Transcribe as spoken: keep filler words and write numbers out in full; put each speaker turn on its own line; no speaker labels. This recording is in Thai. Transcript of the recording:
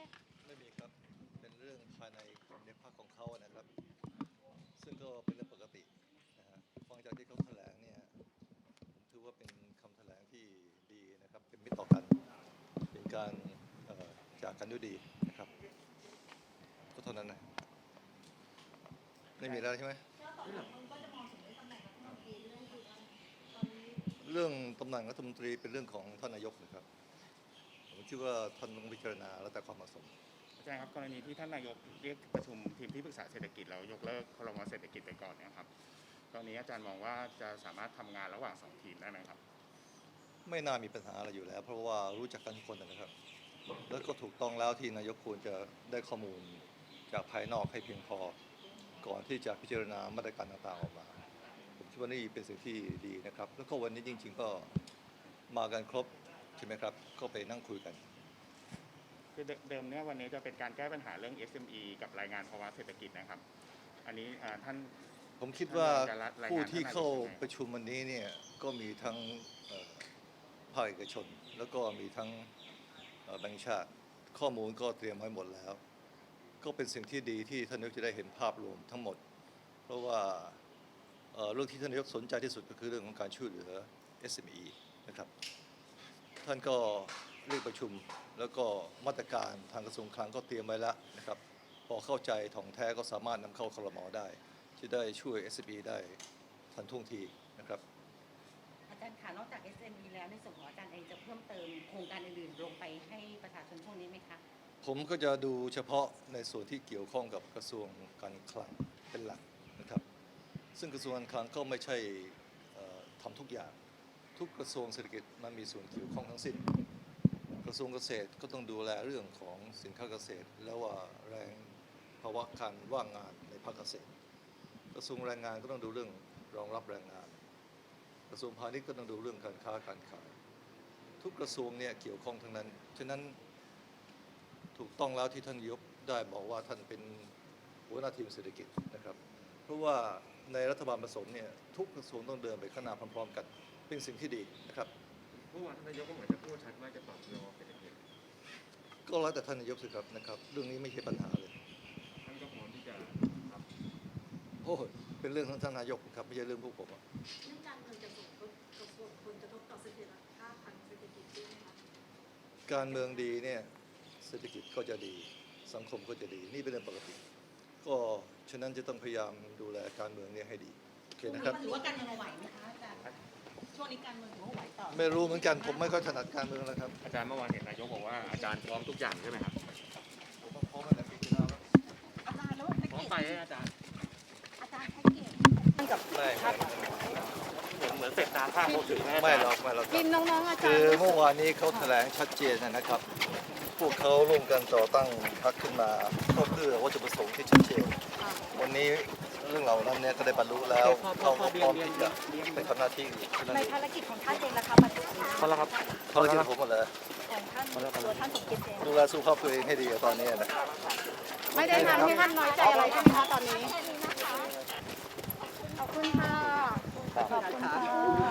ไม่มีครับเป็นเรื่องภายในในพรรคของเขานะครับซึ่งก็เป็นเรื่องปกตินะฮะฟังจากที่เขาแถลงเนี่ยผมถือว่าเป็นคำแถลงที่ดีนะครับเป็นมิตรต่อกันเป็นการจากกันด้วยดีนะครับก็เท่านั้นนะไม่มีแล้วใช่ไหมเรื่องตำแหน่งรัฐมนตรีเป็นเรื่องของท่านนายกนะครับผมคิดว่าท่านต้องพิจารณาแล้วแต่ความเหมาะสม
อาจารย์ครับกรณีที่ท่านนายกเรียกประชุมทีมที่ปรึกษาเศรษฐกิจแล้วยกเลิกครม.เศรษฐกิจไปก่อนนะครับตอนนี้อาจารย์มองว่าจะสามารถทำงานระหว่างสองทีมได้ไหมครับ
ไม่น่ามีปัญหาอะไรอยู่แล้วเพราะว่ารู้จักกันทุกคนนะครับแล้วก็ถูกต้องแล้วที่นายกควรจะได้ข้อมูลจากภายนอกให้เพียงพอก่อนที่จะพิจารณามาตรการต่างๆออกมาผมคิดว่านี่เป็นสิ่งที่ดีนะครับแล้วก็วันนี้จริงๆก็มากันครบใช่ไหมครับก็ไปนั่งคุยกัน
คือเดิมเนี่ยวันนี้จะเป็นการแก้ปัญหาเรื่อง เอส เอ็ม อี กับรายงานภาวะเศรษฐกิจนะครับอันนี้ท่าน
ผมคิดว่าผู้ที่เข้าประชุมวันนี้เนี่ยก็มีทั้งภาคเอกชนแล้วก็มีทั้งแบงก์ชาติข้อมูลก็เตรียมไว้หมดแล้วก็เป็นสิ่งที่ดีที่ท่านนายกจะได้เห็นภาพรวมทั้งหมดเพราะว่าเรื่องที่ท่านนายกสนใจที่สุดก็คือเรื่องของการช่วยเหลือ เอส เอ็ม อี นะครับท่านก็เรียกประชุมแล้วก็มาตรการทางกระทรวงคลังก็เตรียมไว้แล้วนะครับพอเข้าใจถ่องแท้ก็สามารถนำเข้าครม.ได้ที่ได้ช่วย เอส เอ็ม อี ได้ทันท่วงทีนะครับ
อาจารย์ค่ะนอกจาก เอส เอ็ม อี แล้วในส่วนของอาจารย์เองจะเพิ่มเติมโครงการอื่นๆลงไปให้ประชาชนช่วงนี้ไหมคะ
ผมก็จะดูเฉพาะในส่วนที่เกี่ยวข้องกับกระทรวงการคลังเป็นหลักนะครับซึ่งกระทรวงการคลังก็ไม่ใช่ทำทุกอย่างทุกกระทรวงเศรษฐกิจมันมีส่วนเกี่ยวข้องทั้งสิ้นกระทรวงเกษตรก็ต้องดูแลเรื่องของสินค้าเกษตรแล้วว่าแรงภาวะการว่างงานในภาคเกษตรกระทรวงแรงงานก็ต้องดูเรื่องรองรับแรงงานกระทรวงพาณิชย์ก็ต้องดูเรื่องการค้าการขายทุกกระทรวงเนี่ยเกี่ยวข้องทั้งนั้นฉะนั้นถูกต้องแล้วที่ท่านยกได้บอกว่าท่านเป็นหัวหน้าทีมเศรษฐกิจนะครับเพราะว่าในรัฐบาลผสมเนี่ยทุกกระทรวงต้องเดินไปข้างหน้าพร้อมๆกันเป็นสิ่งที่ดีนะครับ
เมื่อวานท่านนายกก็เหมือนจะพูดชัดว่าจะปรับโยเศรษฐกิจ
ก็แล้วแต่ท่านนายกสิครับนะครับเรื่องนี้ไม่ใช่ปัญหาเลย
ท่านก็พร้อมที่จะครับ
โอ้เป็นเรื่องของท่านนายกครับไม่ใช่เรื่องพวกผม
เรื่องการเมืองจะส่งผลกระทบต่อเสถียรภาพทางเศรษฐกิจด้วยไหมคะ
การเมืองดีเนี่ยเศรษฐกิจก็จะดีสังคมก็จะดีนี่เป็นเรื่องปกติก็ฉะนั้นจะต้องพยายามดูแลการเมืองเนี่ยให้ดีโอเคนะครับ
หรือว่าการเมืองไหวไหมคะอาจารย์ช่วงนี้การเมืองถือว่าไหวต่อ
ไม่รู้เหมือนกันผมไม่ค่อยถนัดการเมืองแล้วครับ
อาจารย์เมื่อวานเห็นนายกบอกว่าอาจารย์พร้อมทุกอย่างใช่ไหมครับ
ผมพร้อมแล้วปีที่แล้ว
อาจารย์แล้ว
พร้อมไปอาจารย์
อาจารย์ให้เกียรติกับ
ไม่
เหมือนเสร็จตาข้างโมถือแม่
ไม่หรอกไม่หรอก
ทีมน้องๆอาจารย์
คือเมื่อวานนี้เขาแถลงชัดเจนนะครับพวกเขาร่วมกันต่อตั้งพรรคขึ้นมาก็เพื่อวัตถุประสงค์ที่ชัดเจนวันนี้เรื่องเหล่านั้นเนี่ยก็ได้บรรลุแล้วเขาก็พร้อมที่จะไปทำหน้าที่
ในภารกิจของท่านเองนะคะปัจจุบัน
เขาละครับ
ภารกิจผมหมดเลย
ของท่านตัวท่านสมคิดเอง
ดูแลสุขภาพตัวเองให้ดีตอนนี้นะ
ไม่ได้ทำให้ท่านน้อยใจอะไรใช่ไหมคะตอนนี้ขอบคุณค่ะขอบคุณค่ะ